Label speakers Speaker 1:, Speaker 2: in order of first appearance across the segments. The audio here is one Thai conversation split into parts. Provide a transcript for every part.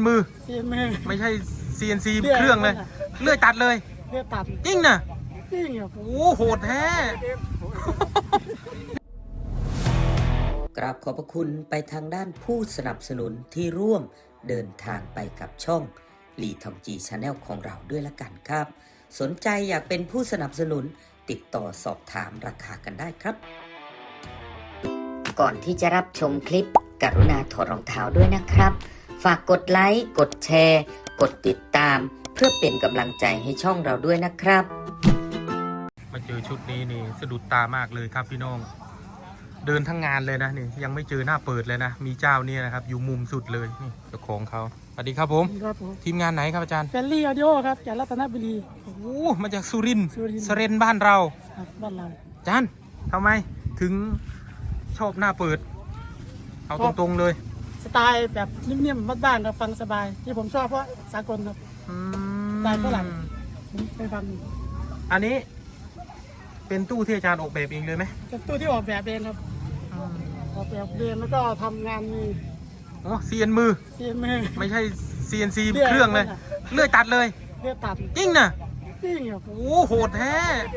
Speaker 1: มือ
Speaker 2: เซียนมือ
Speaker 1: ไม่ใช่ CNC เครื่องเลยเลื่อยตัดเลย
Speaker 2: เลือดตัด
Speaker 1: จริงนะ
Speaker 2: จริงครับ
Speaker 1: โอ้โหดแท้
Speaker 3: กราบขอบพระคุณไปทางด้านผู้สนับสนุนที่ร่วมเดินทางไปกับช่องลีทอมจีชาแนลของเราด้วยละกันครับ สนใจอยากเป็นผู้สนับสนุนติดต่อสอบถามราคากันได้ครับ ก่อนที่จะรับชมคลิปกรุณาถอดรองเท้าด้วยนะครับ ฝากกดไลค์กดแชร์กดติดตามเพื่อเป็นกำลังใจให้ช่องเราด้วยนะครับ
Speaker 1: มาเจอชุดนี้นี่สะดุดตามากเลยครับพี่น้องเดินทั้งงานเลยนะนี่ยังไม่เจอหน้าเปิดเลยนะมีเจ้านี่นะครับอยู่มุมสุดเลยนี่เจ้าของเขาสวัสดีครับผมทีมงานไหนครับอาจารย์
Speaker 2: แฟลลี่ออดิโอครับจากรัตนบุรี
Speaker 1: โอ้มาจากสุรินทร์
Speaker 2: สุ
Speaker 1: ส
Speaker 2: รินทร์
Speaker 1: เรนบ้านเรา
Speaker 2: บ้านเรา
Speaker 1: อาจารย์ทำไมถึงชอบหน้าเปิดเอาตรงๆเลย
Speaker 2: สไตล์แบบนิ่มๆบ้านๆครับฟังสบายที่ผมชอบเพราะสากลครับสไตล์ฝรั่งผมไปฟัง
Speaker 1: อันนี้เป็นตู้ที่อาจารย์ออกแบบเองเลยไหม
Speaker 2: เป็นตู้ที่ออกแบบเองครับออกแบบเองแล้วก็ทำงานมือ
Speaker 1: อ๋อเซียนมือไม่ใช่ CNC เครื่องเลยเลื่อยตัดเลย
Speaker 2: เลือดตัด
Speaker 1: จริงนะ
Speaker 2: จริงครับ
Speaker 1: โอ้โหดแท้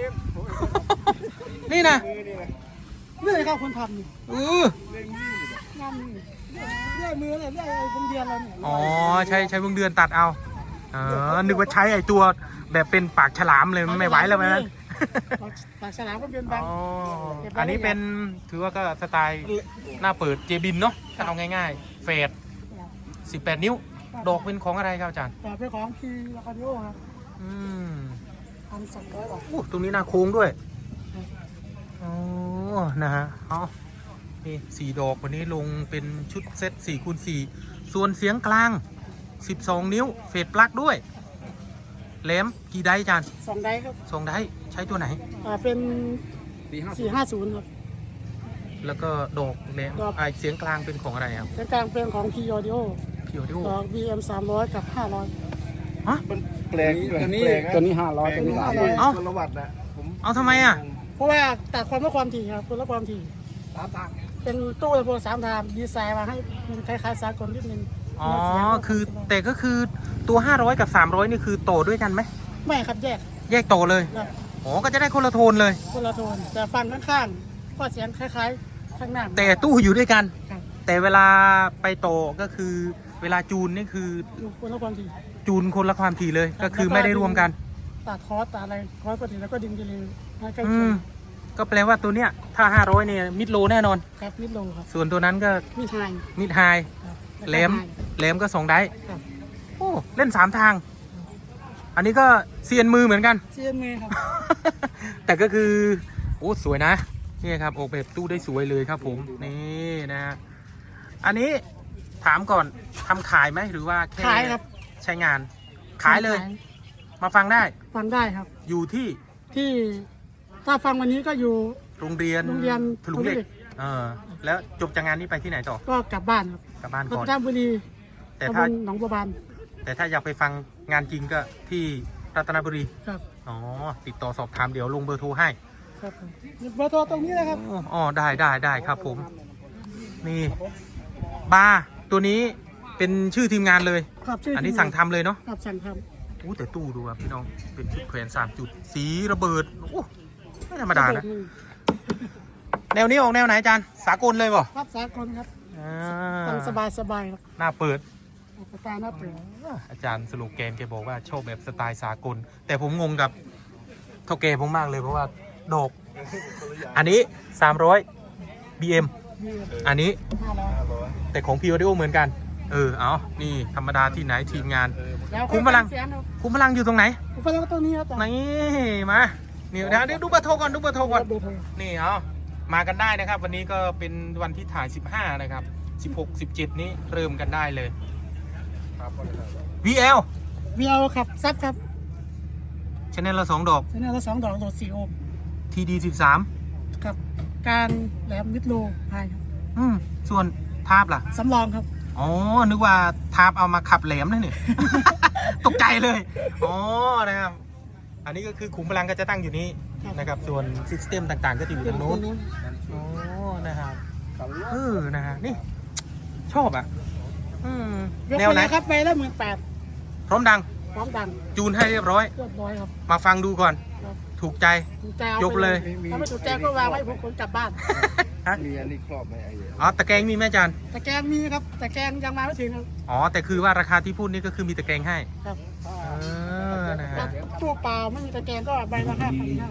Speaker 1: นี่นะ
Speaker 2: นี่ครับคนทำนี่งานมือเลื่อยมือเลยเลื่อยวงเดือนเราเนี่ย
Speaker 1: อ๋อใช้วงเดือนตัดเอานึกว่าใช้ไอ้ตัวแบบเป็นปากฉลามเลยไม่ไหวแล้วนะ
Speaker 2: ปากฉลามก็เป็นบาง
Speaker 1: อันนี้เป็นถือว่าก็สไตล์หน้าเปิดเจบินเนาะถ้าเอาง่ายๆเฟด18 นิ้วดอกเป็นของอะไรครับอาจารย์
Speaker 2: ดอกเป็นของพีลาคาดิโอครับ1,200 บาท
Speaker 1: ตรงนี้หน้าโค้งด้วยนะฮะนี่4 ดอกวันนี้ลงเป็นชุดเซต4x4ส่วนเสียงกลาง12 นิ้วเฟดปลั๊กด้วยแหลมกี่ไดอาจารย์
Speaker 2: 2 ไดครับ
Speaker 1: 2 ไดใช้ตัวไหน
Speaker 2: เป็น450ครับ
Speaker 1: แล้วก็ดอกแหลมเสียงกลางเป็นของอะไรครับ
Speaker 2: เสียงกลางเป็นของ P Audio ดอก BM 300กับ500
Speaker 1: ฮะ
Speaker 4: มันแปลกตัวนี้500ตัวนี้300คนละวัตต์นะ
Speaker 1: เอาทำไมอ่ะ
Speaker 2: เพราะว่าตัดความละความถี่ครับคนละความถี่
Speaker 4: 3 ทาง
Speaker 2: เป็นตู้ลำโพง3 ทางดีไซน์มาให้มันคล้ายๆสากลนิดนึง
Speaker 1: อ๋อคือแต่ก็คือตัว500กับ300นี่คือโตด้วยกันไหม
Speaker 2: ไม่ครับแยก
Speaker 1: โตเลยอ๋อก็จะได้คนละโทนเลย
Speaker 2: คนละโทนแต่ฟังข้างๆก็เสียงคล้ายๆข้างหน้า
Speaker 1: แต่ตู้อยู่ด้วยกันแต่เวลาไปโตก็คือเวลาจูนนี่คือ
Speaker 2: คนละความถี่
Speaker 1: จูนคนละความถี่เลยก็คือไม่ได้รวมกัน
Speaker 2: ตัดคอร์สตัดอะไรคอร์สปกติแล้วก็ดึงไปเลยใกล้
Speaker 1: ก็แปลว่าตัวเนี้ยถ้า500เนี่ยมิดโลแน่นอน
Speaker 2: ครับมิดโลครับ
Speaker 1: ส่วนตัวนั้นก็มิดไฮแหลมก็2 ไดโอ้เล่น3 ทางอันนี้ก็เซียนมือเหมือนกัน
Speaker 2: เซียนมือครับ
Speaker 1: แต่ก็คือโอ้สวยนะนี่ครับออกแบบตู้ได้สวยเลยครับผมนี่นะอันนี้ถามก่อนทำขายไหมหรือว่าแค่
Speaker 2: ขายครับ
Speaker 1: ใช้งานขายเลยมาฟังได้
Speaker 2: ครับ
Speaker 1: อยู่ที่
Speaker 2: ถ้าฟังวันนี้ก็อยู่
Speaker 1: โรงเรียนทะลุเหล็กแล้วจบจากงานนี้ไปที่ไหนต่อ
Speaker 2: ก็กลับบ้านครับ
Speaker 1: กลับบ้านก่อน
Speaker 2: ราชบุรี
Speaker 1: แต่ถ้า
Speaker 2: หนองบัวบาน
Speaker 1: แต่ถ้าอยากไปฟังงานจริงก็ที่รัตนบุรี
Speaker 2: ครับ
Speaker 1: ติดต่อสอบถามเดี๋ยวลงเบอร์โทรให้
Speaker 2: ครับเบอร์โทรตรงนี้นะครับ
Speaker 1: ได้ครับผมนี่บาร์ตัวนี้เป็นชื่อทีมงานเลยอันนี้สั่งทำเลยเนาะ
Speaker 2: ครับสั่งท
Speaker 1: ำแต่ตู้ดูครับพี่น้องเป็นชุดแขวน3 จุดสีระเบิดไม่ธรรมดานะแนวนี้ออกแนวไหนอาจารย์สากลเลยป่ะ
Speaker 2: ครับสากลครับฟังสบายครับ
Speaker 1: หน้าเปิด
Speaker 2: สไตล์หน้าเปิด
Speaker 1: อาจารย์สโลแกนแกบอกว่าชอบแบบสไตล์สากลแต่ผมงงกับเท่าแกผมมากเลยเพราะว่าดอกอันนี้300 BM อันนี้แต่ของ P Audio เหมือนกันเอานี่ธรรมดาที่ไหนทีมงานคุ้มพลังอยู่ตรงไหน
Speaker 2: คุ้มพลังตรงนี้ครับ
Speaker 1: นี่มาเดี๋ยวดูเบอร์โทรก่อนนี่มากันได้นะครับวันนี้ก็เป็นวันที่ถ่าย15นะครับ16 17นี้เริ่มกันได้เลย VL
Speaker 2: ครับซับครับ
Speaker 1: ชแนลละ2 ดอก
Speaker 2: ชแนลละ2 ดอกโหลด4 โอห์ม
Speaker 1: TD 13
Speaker 2: ครับการแหลมมิดโลไฮครับ
Speaker 1: ส่วนทาบล่ะ
Speaker 2: สำรองครับ
Speaker 1: นึกว่าทาบเอามาขับแหลมนะเนี่ย ตกใจเลยนะครับอันนี้ก็คือขุมพลังก็จะตั้งอยู่นี้นะครับส่วนซิสเต็มต่างๆก็จะอยู่ตรงโน้นนะครับนะฮะนี่ชอบอืม
Speaker 2: ยก
Speaker 1: แนว
Speaker 2: ไป
Speaker 1: ไหน
Speaker 2: เลยครับไปแล้ว18,000
Speaker 1: พร้อมดัง
Speaker 2: พร้อมดัง
Speaker 1: จูนให้เรียบร้อย
Speaker 2: เรียบร้อยครับ
Speaker 1: มาฟังดูก่อน
Speaker 2: ครับ
Speaker 1: ถูกใจ
Speaker 2: ถูกใจเอา
Speaker 1: ยก
Speaker 2: ไป
Speaker 1: เลย
Speaker 2: ถ้าไม่ถูกใจก็วางไว้ผมขนกลับบ้าน
Speaker 1: ฮะ
Speaker 4: มีอันนี้ครอบไหมไอ้
Speaker 1: อ๋อตะแกรงมีไหมอาจารย์
Speaker 2: แต่แกงมีครับแต่แกงยังมาไม่ถึงครับ
Speaker 1: อ๋อแต่คือว่าราคาที่พูดนี่ก็คือมีตะแกรงให้
Speaker 2: ครับ
Speaker 1: นะฮะ
Speaker 2: ตู้เปล่าไม่มีตะแกรงก็ใบละ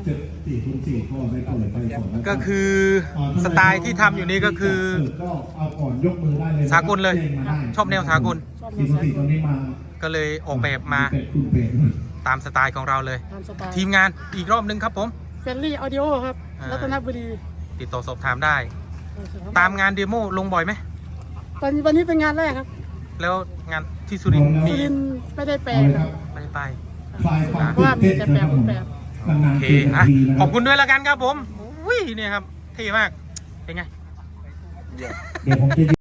Speaker 2: 5,500
Speaker 1: ก็คือสไตล์ที่ทำอยู่นี่ก็คือ
Speaker 5: เอาก่อนยกมือได้เลย
Speaker 1: สากลเลย ชอบแนวสากล
Speaker 2: ชอบ
Speaker 5: ที
Speaker 2: มี
Speaker 5: ม
Speaker 2: สาย
Speaker 5: ติตอนนี้มา
Speaker 1: ก็เลยออกแบบมา
Speaker 5: เป็ดคุณเป็ด
Speaker 1: ตามสไตล์ของเราเลย
Speaker 2: ตามสไตล์
Speaker 1: ทีมงานอีกรอบนึงครับผม
Speaker 2: เฟรนลี่ออดิโอครับ
Speaker 1: อ่า
Speaker 2: รัตนบุรี
Speaker 1: ติดต่อสอบถามได้ ตามงานเดโมลงบ่อยไหม
Speaker 2: วันนี้เป็นงานแรกครับ
Speaker 1: แล้วงานที่สุรินทร์มี
Speaker 2: สุรินทร์ไม่ได้แปล
Speaker 5: เอาเลย
Speaker 2: ค
Speaker 5: ค
Speaker 2: รั
Speaker 5: รั
Speaker 2: บบ
Speaker 1: ไม่ได้ไป
Speaker 5: คลายความ
Speaker 2: เพราะว่ามีแต่แปลรูปแบบ
Speaker 5: นาน
Speaker 1: โอ
Speaker 5: ๆ
Speaker 1: เค
Speaker 5: เจอกัน
Speaker 1: อ่ะ
Speaker 5: ทีนะ
Speaker 1: ขอบคุณด้วยละกันครับผมอุ้ยเนี่ยครับเท่มาก เป็นไง
Speaker 5: เดี๋ยวผมจะ